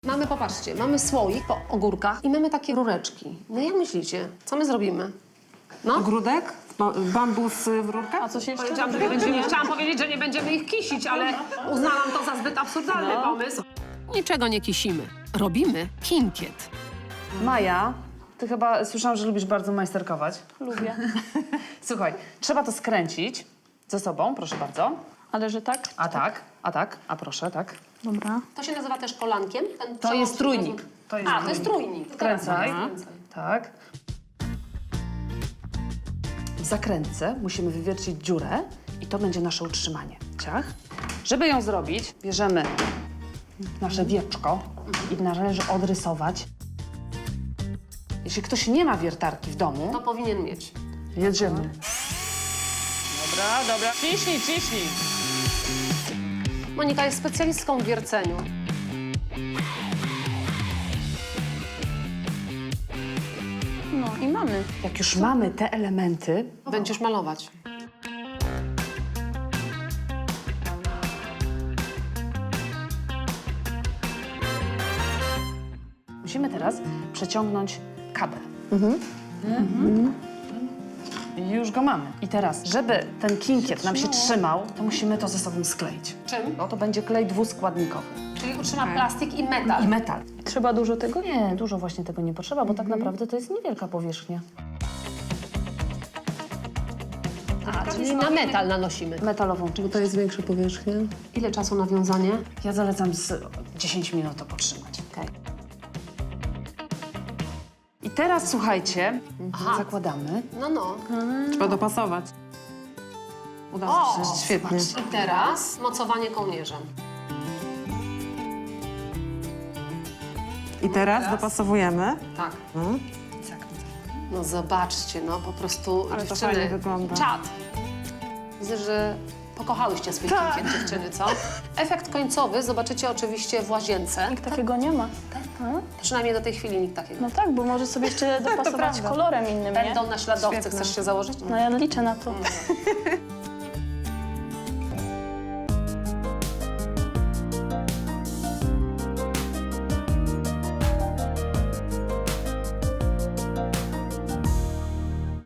Mamy, popatrzcie, mamy słoik po ogórkach i mamy takie rureczki. No jak myślicie, co my zrobimy? No? Ogródek? Bambus w rurkach? A coś jeszcze? Chciałam powiedzieć, że nie będziemy ich kisić, ale uznałam to za zbyt absurdalny pomysł. Niczego nie kisimy. Robimy kinkiet. Maja, ty chyba słyszałam, że lubisz bardzo majsterkować. Lubię. Słuchaj, trzeba to skręcić ze sobą, proszę bardzo. Ale że tak? A proszę, tak. Dobra. To się nazywa też kolankiem? Ten To jest trójnik. To jest trójnik. Skręcaj. Skręcaj. Tak. W zakrętce musimy wywiercić dziurę i to będzie nasze utrzymanie. Ciach. Żeby ją zrobić, bierzemy nasze wieczko i należy odrysować. Jeśli ktoś nie ma wiertarki w domu, To powinien mieć. jedziemy. Dobra. Ciśnij. Monika jest specjalistką w wierceniu. No i mamy. Jak już mamy te elementy, Będziesz malować. musimy teraz przeciągnąć kabel. I już go mamy. I teraz, żeby ten kinkiet nam się trzymał, to musimy to ze sobą skleić. Czym? To będzie klej dwuskładnikowy. Czyli utrzyma plastik i metal. I metal. Trzeba dużo tego? Nie, dużo właśnie tego nie potrzeba, bo tak naprawdę to jest niewielka powierzchnia. Czyli na metal nanosimy. Metalową część. To jest większa powierzchnia. Ile czasu na wiązanie? Ja zalecam z 10 minut to potrzymać. Okej. I teraz słuchajcie, zakładamy. No. Trzeba dopasować. Udało się. Świetnie. I teraz mocowanie kołnierzem. I teraz dopasowujemy. Tak. No zobaczcie, no po prostu Ale to dziewczyny, fajnie wygląda. czad. Widzę, że pokochałyście swój kinkiet, dziewczyny, co? Efekt końcowy zobaczycie oczywiście w łazience. Nikt takiego nie ma. Przynajmniej do tej chwili nikt takiego. No tak, bo możesz sobie jeszcze dopasować prawda. kolorem innym, nie? Będą naśladowcy, Świetne. chcesz się założyć? No ja liczę na to.